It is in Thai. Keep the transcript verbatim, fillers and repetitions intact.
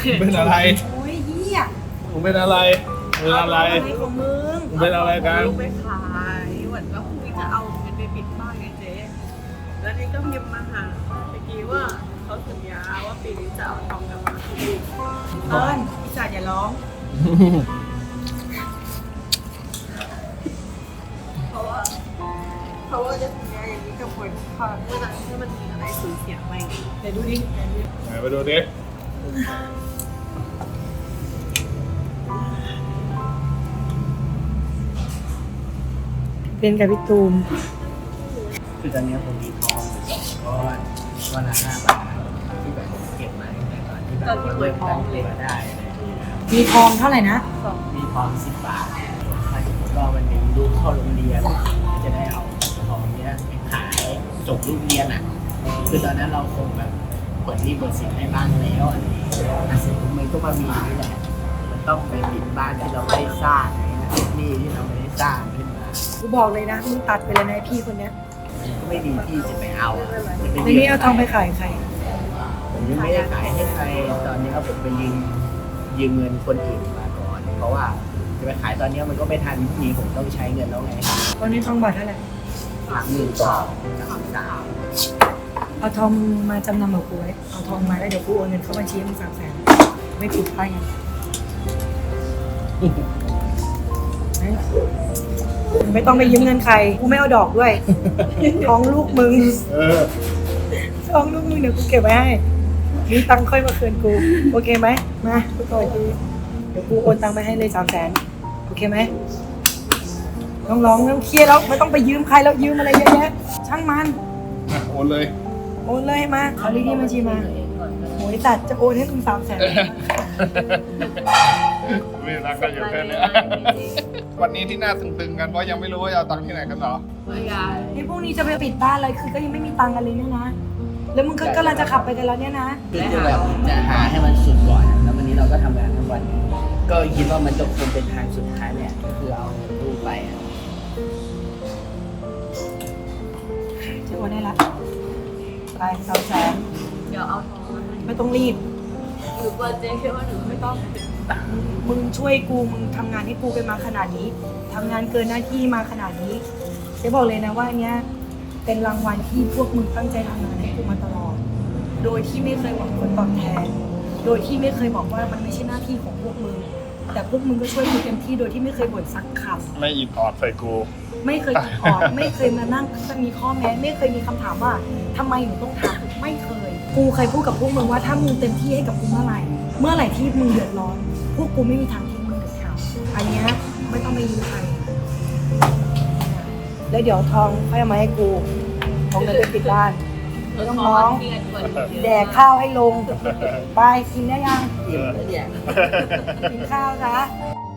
เป็นอะไรโอ้ยเหี้ยมึงเป็นอะไรเป็นอะไรอะไรของมึงมึงเป็นอะไรกันลูกไปขายเหมือนก็พรุ่งนี้จะเอาเงินไปปิดบ้านไงเจ๊แล้วนี่ก็พิมพ์มาหาเมื่อกี้ว่าเขาสัญญาว่าปีนี้จะเอาทองกลับมาคืนเติ้ลพี่จ่าอย่าร้องเพราะว่าเพราะว่าจะสัญญาอย่างนี้กับคนค่ะเมื่อไหร่ที่มันมีอะไรสูญเสียไปเดี๋ยวดูดิไหนไปดูดิเป็นกับพี่ตูมคือตอนนี้ผมมีทองอยู่สองก้อนก้อนละห้าบาทที่แบบผมเก็บมาตั้งแต่ตอนที่แบบเริ่มตั้งตัวได้อะไรอย่างเงี้ยครับมีทองเท่าไหร่นะมีทองสิบบาทถ้าสมมติว่าวันหนี้ลูกเข้าโรงเรียนก็จะได้เอาทองเนี้ยไปขายจบลูกเรียนอ่ะคือตอนนั้นเราคงแบบเปิดที่เปิดสินให้บ้างแล้วอะไรอย่างเงี้ยแต่สิ่งที่มันก็มามีนี่แหละมันต้องไปปิดบ้านที่เราไม่ได้สร้างหนี่ที่เราไม่ได้สร้างขึ้นมากูบอกเลยนะมึงตัดไปเลยนะไอ้พี่คนเนี้ยไม่ดีที่จะไปเอาอะจะไปแล้วรียนี่เอาทองไปขายใครผมยังไม่ได้ขายให้ใครตอนนี้ครับผมไปยืมยืมเงินคนอื่นมาก่อน เพราะว่าจะไปขายตอนนี้มันก็ไม่ทันทีผมต้องใช้เงินแล้วไงตอนนี้ทองบาทเท่าไหร่สามหมื่นสองสามสามเอาทองมึงมาจำนำกับกูไว้เอาทองมาแล้วเดี๋ยวกูโอนเงินเข้าบัญชีให้มึงสามแสนไม่ผิดไปไงมึงไม่ต้องไปยืมเงินใครกูไม่เอาดอกด้วยทองลูกมึงเออทองลูกมึงเดี๋ยวกูเก็บไว้ให้มีตังค์ค่อยมาคืนกูโอเคไหมมากูต่อทีเดี๋ยวกูโอนตังค์ไปให้เลยสามแสนโอเคไหมน้องร้องน้องเครียดแล้วไม่ต้องไปยืมใครแล้วยืมอะไรเยอะแยะช่างมันอ่ะโอนเลยโอนเลยมาเอาเลขที่บัญชีมาโอ้ยตัดจะโอนให้มึงสามแสนไม่รักกันอยู่แค่เนี้ยวันนี้ที่น่าตึงๆกันเพราะยังไม่รู้ว่าจะเอาตังค์ที่ไหนกันเหรอเมื่อยายนี่พรุ่งนี้จะไปปิดบ้านเลยคือก็ยังไม่มีตังค์กันเลยเนี่ยนะ แล้วมึงก็กำลังจะขับไปกันแล้วเนี่ยนะคือจะแบบจะหาให้มันสุดก่อนอะแล้ววันนี้เราก็ทำงานทั้งวัน ก็คิดว่ามันจะคงเป็นทางสุดท้ายเนี่ยก็คือเอาเงินลูกไปอะจะโอนให้ละไปสามแสนเดี๋ยวเอาทองมาให้ไม่ต้องรีบหนูกลัวเจ๊คิดว่าหนูไม่ต้องมึงช่วยกูมึงทำงานให้กูกันมาขนาดนี้ทำงานเกินหน้าที่มาขนาดนี้เจ๊บอกเลยนะว่าอันเนี้ยเป็นรางวัลที่พวกมึงตั้งใจทำงานให้กูมาตลอด โดยที่ไม่เคยหวังผลตอบแทน โดยที่ไม่เคยบอกว่ามันไม่ใช่หน้าที่ของพวกมึง แต่พวกมึงก็ช่วยกูเต็มที่โดยที่ไม่เคยบ่นสักคำไม่อิดออดใส่กูไม่เคยอิดออด ไม่เคยมานั่งจะมีข้อแม้ ไม่เคยมีคำถามว่าทำไมหนูต้องทำไม่เคย กูเคยพูดกับพวกมึงว่าถ้ามึงเต็มที่ให้กับกูเมื่อไหร่ เมื่อไหร่ที่มึงเดือดร้อน พวกกูไม่มีทางทิ้งมึงเด็ดขาดอันเนี้ยไม่ต้องไปยืมใคร แล้วเดี๋ยวทองค่อยเอามาให้กูทองเงินไปปิดบ้านไม่ต้องร้อง แดกข้าวให้ลง ไปกินได้ยังอิ่มแล้วเนี่ยกินข้าวนะเ